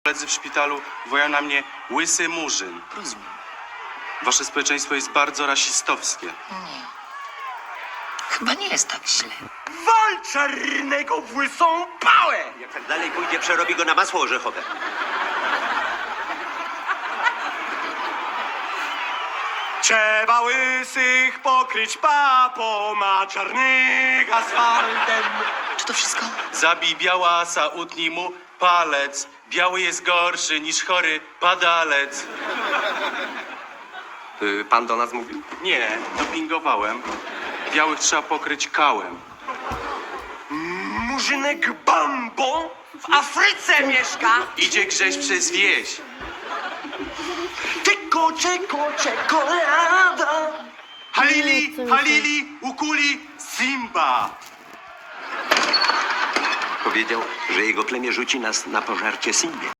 koledzy w szpitalu wołają na mnie łysy murzyn. Rozumiem. Wasze społeczeństwo jest bardzo rasistowskie. Nie. Chyba nie jest tak źle. Wal czarnego w łysą pałę! Jak tak dalej pójdzie, przerobi go na masło orzechowe. Trzeba łysych pokryć papą, a czarnych asfaltem. Czy to wszystko? Zabij białasa, utnij mu palec. Biały jest gorszy niż chory padalec. Pan do nas mówił? Nie, dopingowałem. Białych trzeba pokryć kałem. Murzynek Bambo w Afryce mieszka. Idzie grześ przez wieś. Czekolada. Halili, Halili, ukuli, Simba. Powiedział, że jego plemię rzuci nas na pożarcie Simbie.